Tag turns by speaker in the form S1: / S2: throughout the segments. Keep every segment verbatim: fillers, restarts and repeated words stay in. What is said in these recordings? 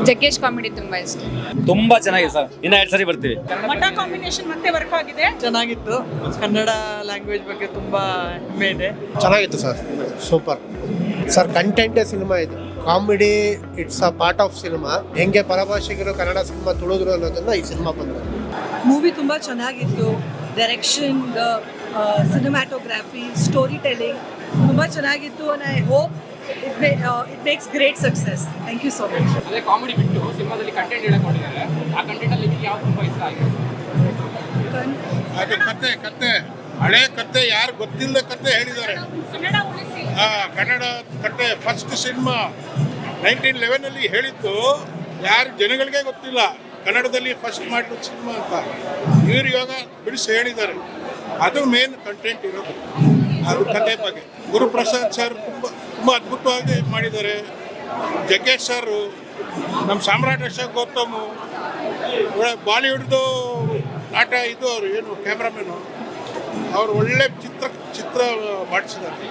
S1: Jaggesh comedy ತುಂಬಾ ಇಷ್ಟ.
S2: ತುಂಬಾ ಚೆನ್ನಾಗಿದೆ ಸರ್, ಇನ್ನ ಎರಡು ಸರಿ ಬರ್ತೀವಿ.
S3: ಮಠ ಕಾಂಬಿನೇಷನ್ ಮತ್ತೆ ವರ್ಕ್ ಆಗಿದೆ,
S4: ಚೆನ್ನಾಗಿತ್ತು. ಕನ್ನಡ ಲ್ಯಾಂಗ್ವೇಜ್ ಬಗ್ಗೆ ತುಂಬಾ ಹೆಮ್ಮೆ ಇದೆ.
S5: ಚೆನ್ನಾಗಿತ್ತು ಸರ್, ಸೂಪರ್ ಸರ್. ಕಂಟೆಂಟೇ ಸಿನಿಮಾ ಇದು, comedy it's a part of cinema. ಹೆಂಗೆ ಪರಭಾಷಿಗರು ಕನ್ನಡ ಸಿನಿಮಾ ತುಳಿದ್ರು ಅನ್ನೋದನ್ನ ಈ ಸಿನಿಮಾ ಬಂದ್ರು.
S6: ಮೂವಿ ತುಂಬ ಚೆನ್ನಾಗಿತ್ತು. ಡೈರೆಕ್ಷನ್, ಸಿನಿಮ್ಯಾಟೋಗ್ರಫಿ, ಸ್ಟೋರಿ ಟೆಲ್ಲಿಂಗ್ ತುಂಬ ಚೆನ್ನಾಗಿತ್ತು. And I hope it may it makes great success. Thank you so much.
S7: ಅದೇ ಕಾಮಿಡಿ ಬಿಟ್ಟು ಸಿನಿಮಾದಲ್ಲಿ ಕಂಟೆಂಟ್ ಹೇಳ್ಕೊಂಡಿದ್ದಾರೆ. ಆ ಕಂಟೆಂಟಲ್ಲಿ ನಿಮಗೆ ಯಾವ್ದು ತುಂಬ ಇಷ್ಟ ಆಗಿದೆ?
S8: ಅದು ಕತೆ ಕತೆ ಹಳೆ ಕತೆ, ಯಾರು ಗೊತ್ತಿಲ್ಲದ ಕತೆ ಹೇಳಿದ್ದಾರೆ.
S3: ಕನ್ನಡ ಉಳಿಸಿ.
S8: ಆ ಕನ್ನಡ ಕತೆ ಫಸ್ಟ್ ಸಿನಿಮಾ ನೈನ್ಟೀನ್ ಲೆವೆನಲ್ಲಿ ಹೇಳಿದ್ದು ಯಾರು ಜನಗಳಿಗೆ ಗೊತ್ತಿಲ್ಲ. ಕನ್ನಡದಲ್ಲಿ ಫಸ್ಟ್ ಮಾಡಿರೋ ಸಿನಿಮಾ ಅಂತ ಇವರು ಇವಾಗ ಬಿಡಿಸಿ ಹೇಳಿದ್ದಾರೆ. ಅದು ಮೇನ್ ಕಂಟೆಂಟ್ ಇರೋದು, ಅದು ಕತೆ ಬಗ್ಗೆ. ಗುರುಪ್ರಸಾದ್ ಸರ್ ತುಂಬ ತುಂಬ ಅದ್ಭುತವಾಗಿ ಮಾಡಿದ್ದಾರೆ. ಜಗ್ಗೇಶ್ ಸರ್, ನಮ್ಮ ಸಾಮ್ರಾಟ್ ಅಶೋಕ್ ಗೌತಮು, ಬಾಲಿವುಡ್ದು ನಾಟ ಇದು ಅವರು ಏನು ಕ್ಯಾಮ್ರಾಮನ್ನು ಅವರು ಒಳ್ಳೆ ಚಿತ್ರ ಚಿತ್ರ ಮಾಡಿಸಿದ್ದಾರೆ.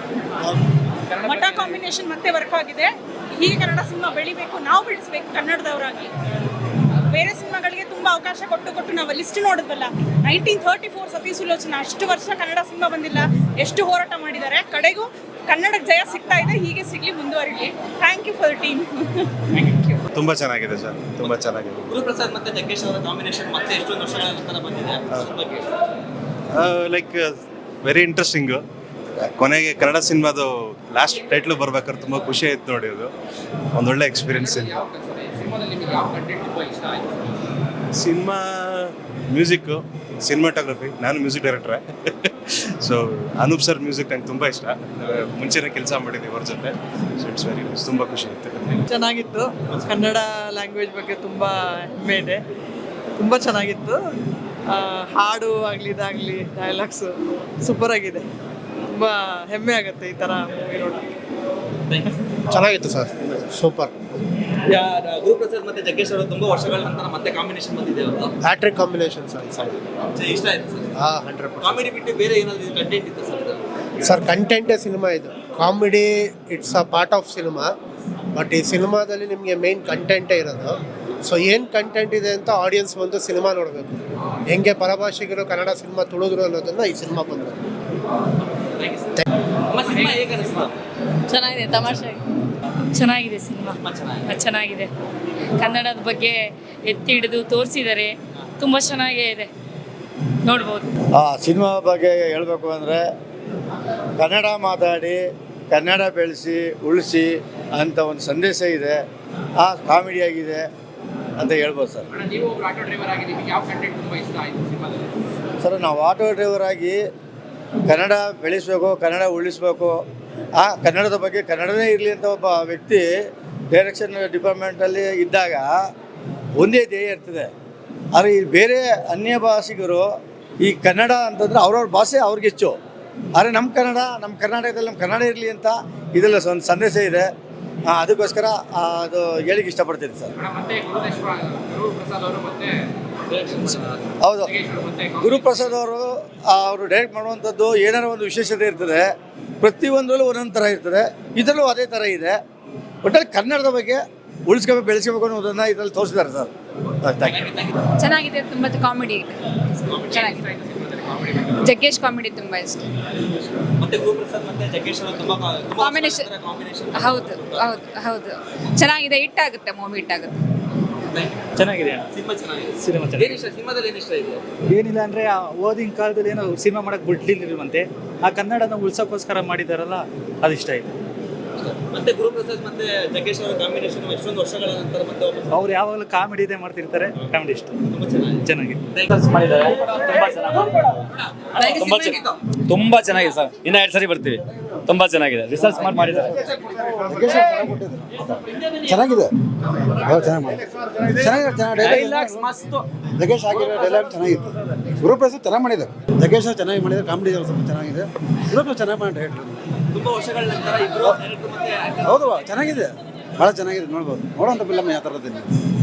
S3: ಮಠ ಕಾಂಬಿನೇಷನ್ ಮತ್ತೆ ವರ್ಕ್ ಆಗಿದೆ. ಹೀಗೆ ಕನ್ನಡ ಸಿನಿಮಾ ಬೆಳಿಬೇಕು, ನಾವು ಬೆಳೆಸ್ಬೇಕು ಕನ್ನಡದವರಾಗಿ. ಬೇರೆ ಸಿನಿಮಾಗಳಿಗೆ ತುಂಬಾ ಅವಕಾಶ ಕೊಟ್ಟು ಕೊಟ್ಟು ನಾವು ಲಿಸ್ಟ್ ನೋಡಿದ್ವಲ್ಲ, nineteen thirty four Sati Sulochana, ಅಷ್ಟು ವರ್ಷ ಕನ್ನಡ ಸಿನಿಮಾ ಬಂದಿಲ್ಲ, ಎಷ್ಟು ಹೋರಾಟ ಮಾಡಿದ್ದಾರೆ. ಕಡೆಗೂ ಕನ್ನಡಕ್ಕೆ ಜಯ ಸಿಗ್ತಾ ಇದೆ, ಹೀಗೆ ಸಿಗ್ಲಿ, ಮುಂದುವರಿಲಿ. Thank you for team.
S9: ತುಂಬಾ ಚೆನ್ನಾಗಿದೆ ಸರ್, ತುಂಬಾ ಚೆನ್ನಾಗಿದೆ.
S10: ಗುರುಪ್ರಸಾದ್ ಮತ್ತೆ ಜಗ್ಗೇಶ್ ಅವರ ಕಾಂಬಿನೇಷನ್ ಮತ್ತೆ ಎಷ್ಟೊಂದು ವರ್ಷಗಳ ನಂತರ ಬಂದಿದೆ. ಅದ್ರ ಬಗ್ಗೆ
S9: ಲೈಕ್ ವೆರಿ ಇಂಟ್ರೆಸ್ಟಿಂಗ್. ಕೊನೆಗೆ ಕನ್ನಡ ಸಿನಿಮಾದು ಲಾಸ್ಟ್ ಟೈಟ್ಲು ಬರ್ಬೇಕಾದ್ರೆ ತುಂಬ ಖುಷಿ ಆಯ್ತು ನೋಡಿ. ಅದು ಒಂದೊಳ್ಳೆ ಎಕ್ಸ್ಪೀರಿಯನ್ಸ್.
S7: ಸಿನಿಮಾದಲ್ಲಿ ನಿಮಗೆ ಯಾವ ಕಂಟೆಂಟ್ ತುಂಬ ಇಷ್ಟ ಆಯಿತು?
S9: Cinema music, cinematography. ನಾನು ಮ್ಯೂಸಿಕ್ ಡೈರೆಕ್ಟ್ರೆ, ಸೊ ಅನೂಪ್ ಸರ್ ಮ್ಯೂಸಿಕ್ ನಂಗೆ ತುಂಬ ಇಷ್ಟ. ಮುಂಚೆನೇ ಕೆಲಸ ಮಾಡಿದ್ದೀವಿ ಅವ್ರ ಜೊತೆ. ಸೊ ಇಟ್ಸ್ ವೆರಿ ನೈಸ್, ತುಂಬ ಖುಷಿ ಆಯಿತು.
S4: ಚೆನ್ನಾಗಿತ್ತು. ಕನ್ನಡ ಲ್ಯಾಂಗ್ವೇಜ್ ಬಗ್ಗೆ ತುಂಬ ಹೆಮ್ಮೆ ಇದೆ. ತುಂಬ ಚೆನ್ನಾಗಿತ್ತು. ಹಾಡು ಆಗಲಿ ಇದಾಗಲಿ ಡೈಲಾಗ್ಸು ಸೂಪರ್ ಆಗಿದೆ. ತುಂಬ ಹೆಮ್ಮೆ ಆಗುತ್ತೆ ಈ ಥರ ಮೂವಿ ನೋಡೋಕ್ಕೆ.
S5: ಚೆನ್ನಾಗಿತ್ತು ಸರ್, ಸೂಪರ್.
S10: ಗುರುಪ್ರಸಾದ್ ಮತ್ತೆ ಜಗ್ಗೇಶ್ ಅವರು ತುಂಬಾ ವರ್ಷಗಳ ನಂತರ ಮತ್ತೆ ಕಾಂಬಿನೇಷನ್ ಬಂದಿದೆ. ಅವರು
S5: ಹ್ಯಾಟ್ರಿಕ್ ಕಾಂಬಿನೇಷನ್ ಸರ್ ಸರ್.
S10: ಇಷ್ಟ ಆಯ್ತು ಸರ್.
S5: ಹಾಂ, ಹಂಡ್ರೆಡ್ ಪರ್ಸೆಂಟ್.
S10: ಕಾಮಿಡಿ ಬಿಟ್ಟು ಬೇರೆ ಏನಾದ್ರು ಕಂಟೆಂಟ್ ಇತ್ತು ಸರ್?
S5: ಸರ್ ಕಂಟೆಂಟೇ ಸಿನಿಮಾ ಇದು, comedy it's a part of cinema. But ಈ ಸಿನಿಮಾದಲ್ಲಿ ನಿಮಗೆ ಮೇನ್ ಕಂಟೆಂಟೇ ಇರೋದು. ಸೊ ಏನು ಕಂಟೆಂಟ್ ಇದೆ ಅಂತ ಆಡಿಯನ್ಸ್ ಬಂದು ಸಿನಿಮಾ ನೋಡಬೇಕು. ಹೆಂಗೆ ಪರಭಾಷಿಗರು ಕನ್ನಡ ಸಿನಿಮಾ ತುಳಿದ್ರು ಅನ್ನೋದನ್ನ ಈ ಸಿನಿಮಾ ಬಂದರು.
S10: ಸಿನಿಮಾ ಹೇಗೆ ಅನಿಸ್ತು?
S1: ಚೆನ್ನಾಗಿದೆ, ತಮಾಷೆ ಚೆನ್ನಾಗಿದೆ ಸಿನಿಮಾ. ಚೆನ್ನಾಗಿದೆ. ಕನ್ನಡದ ಬಗ್ಗೆ ಎತ್ತಿ ಹಿಡಿದು ತೋರಿಸಿದ್ದಾರೆ, ತುಂಬ ಚೆನ್ನಾಗೇ ಇದೆ, ನೋಡ್ಬೋದು.
S11: ಆ ಸಿನಿಮಾ ಬಗ್ಗೆ ಹೇಳಬೇಕು ಅಂದರೆ, ಕನ್ನಡ ಮಾತಾಡಿ ಕನ್ನಡ ಬೆಳೆಸಿ ಉಳಿಸಿ ಅಂತ ಒಂದು ಸಂದೇಶ ಇದೆ. ಆ ಕಾಮಿಡಿಯಾಗಿದೆ ಅಂತ ಹೇಳ್ಬೋದು ಸರ್.
S7: ನೀವು ಒಬ್ಬರು ಆಟೋ ಡ್ರೈವರ್ ಆಗಿ ನಿಮಗೆ ಯಾವ ಕಂಟೆಂಟ್ ತುಂಬ ಇಷ್ಟ ಆಯಿತು ಸಿನಿಮಾದಲ್ಲಿ?
S11: ಸರ್, ನಾವು ಆಟೋ ಡ್ರೈವರ್ ಆಗಿ ಕನ್ನಡ ಬೆಳೆಸಬೇಕು, ಕನ್ನಡ ಉಳಿಸ್ಬೇಕು, ಆ ಕನ್ನಡದ ಬಗ್ಗೆ ಕನ್ನಡನೇ ಇರಲಿ ಅಂತ ಒಬ್ಬ ವ್ಯಕ್ತಿ ಡೈರೆಕ್ಷನ್ ಡಿಪಾರ್ಟ್ಮೆಂಟಲ್ಲಿ ಇದ್ದಾಗ ಒಂದೇ ಧ್ಯೇಯ ಇರ್ತದೆ. ಆದರೆ ಈ ಬೇರೆ ಅನ್ಯ ಭಾಷಿಗರು ಈ ಕನ್ನಡ ಅಂತಂದರೆ ಅವ್ರವ್ರ ಭಾಷೆ ಅವ್ರಿಗೆ ಹೆಚ್ಚು. ಆದರೆ ನಮ್ಮ ಕನ್ನಡ, ನಮ್ಮ ಕರ್ನಾಟಕದಲ್ಲಿ ನಮ್ಮ ಕನ್ನಡ ಇರಲಿ ಅಂತ ಇದೆಲ್ಲ ಒಂದು ಸಂದೇಶ ಇದೆ. ಅದಕ್ಕೋಸ್ಕರ ಅದು ಹೇಳಿಕ್ಕೆ ಇಷ್ಟಪಡ್ತೀನಿ ಸರ್. ಹೌದು, ಗುರುಪ್ರಸಾದ್ ಅವರು ಅವರು ಡೈರೆಕ್ಟ್ ಮಾಡುವಂಥದ್ದು ಏನಾರ ಒಂದು ವಿಶೇಷತೆ ಇರ್ತದೆ. ಪ್ರತಿಯೊಂದರಲ್ಲೂ ಒಂದೊಂದು ಥರ ಇರ್ತದೆ. ಇದರಲ್ಲೂ ಅದೇ ಥರ ಇದೆ. ಒಟ್ಟಲ್ಲಿ ಕನ್ನಡದ ಬಗ್ಗೆ ಉಳಿಸ್ಕೋಬೇಕು, ಬೆಳೆಸ್ಕೋಬೇಕು ಅನ್ನೋದನ್ನು ಇದರಲ್ಲಿ ತೋರಿಸಿದ್ದಾರೆ ಸರ್.
S1: ಚೆನ್ನಾಗಿದೆ, ತುಂಬ ಕಾಮಿಡಿ ಇದೆ, ಚೆನ್ನಾಗಿದೆ. ಜಗ್ಗೇಶ್ ಕಾಮಿಡಿ ತುಂಬ ಇಷ್ಟ.
S10: ಮತ್ತೆ ಗುರುಪ್ರಸಾದ್ ಮತ್ತೆ ಜಗ್ಗೇಶ್ ಅವರು ತುಂಬಾ
S1: ಕಾಂಬಿನೇಷನ್. ಹೌದು ಹೌದು ಹೌದು, ಚೆನ್ನಾಗಿದೆ. ಹಿಟ್ ಆಗುತ್ತೆ, ಮೂವಿ ಹಿಟ್ ಆಗುತ್ತೆ.
S10: ಚೆನ್ನಾಗಿದೆ. ಸಿನಿಮಾ ಚೆನ್ನಾಗಿದೆ. ಸಿನಿಮಾ ಚೆನ್ನಾಗಿದೆ. ಸಿನಿಮಾದಲ್ಲಿ ಏನು ಇಷ್ಟ ಇದೆ?
S12: ಏನಿಲ್ಲ ಅಂದರೆ, ಓದಿನ ಕಾಲದಲ್ಲಿ ಏನೋ ಸಿನಿಮಾ ಮಾಡೋಕ್ಕೆ ಬಿಡ್ಲಿಲ್ವಂತೆ, ಆ ಕನ್ನಡನ ಉಳ್ಸೋಕ್ಕೋಸ್ಕರ ಮಾಡಿದಾರಲ್ಲ, ಅದು ಇಷ್ಟ ಇದೆ.
S10: ಮತ್ತೆ ಗುರುಪ್ರಸಾದ್ ಮತ್ತೆ ಜಗ್ಗೇಶ್ ಅವರ ಕಾಂಬಿನೇಷನ್ ಎಷ್ಟೊಂದು ವರ್ಷಗಳ ನಂತರ ಮತ್ತೆ
S12: ಅವ್ರು ಯಾವಾಗಲೂ ಕಾಮಿಡಿ ಇದೆ ಮಾಡ್ತಿರ್ತಾರೆ. ಕಾಮಿಡಿ ಇಷ್ಟ,
S10: ತುಂಬಾ ಚೆನ್ನಾಗಿದೆ.
S12: ಚೆನ್ನಾಗಿದೆ.
S2: ತುಂಬಾ ಚೆನ್ನಾಗಿದೆ ಸರ್, ಇನ್ನ ಎರಡು ಸರಿ ಬರ್ತೀವಿ. ತುಂಬಾ ಚೆನ್ನಾಗಿದೆ, ರಿಸರ್ಚ್ ಮಾಡಿ ಮಾಡಿದ್ದಾರೆ.
S11: ಚೆನ್ನಾಗಿದೆ, ಜಗ್ಗೇಶ್ ಆಗಿರೋ ಡೈಲಾಗ್ ಚೆನ್ನಾಗಿತ್ತು. ಗುರುಪ್ರಸಾದ್ ಚೆನ್ನಾಗಿ ಮಾಡಿದ್ದಾರೆ, ಜಗ್ಗೇಶ್ ಚೆನ್ನಾಗಿ ಮಾಡಿದ್ದಾರೆ. ಕಾಮಿಡಿ ಸ್ವಲ್ಪ ಚೆನ್ನಾಗಿದೆ, ಗುರುಪ್ರಸಾದ್ ಚೆನ್ನಾಗಿ ಮಾಡಿ ಡೈರೆಕ್ಟರ್.
S10: ತುಂಬಾ ವರ್ಷಗಳ ನಂತರ ಇಬ್ಬರು ಡೈರೆಕ್ಟರ್ ಮತ್ತೆ
S11: ಹೌದು, ಚೆನ್ನಾಗಿದೆ, ಭಾಳ ಚೆನ್ನಾಗಿದೆ. ನೋಡ್ಬೋದು, ನೋಡೋಂಥ ಫಿಲಮ್ ಯಾವ ಥರದ್ದು.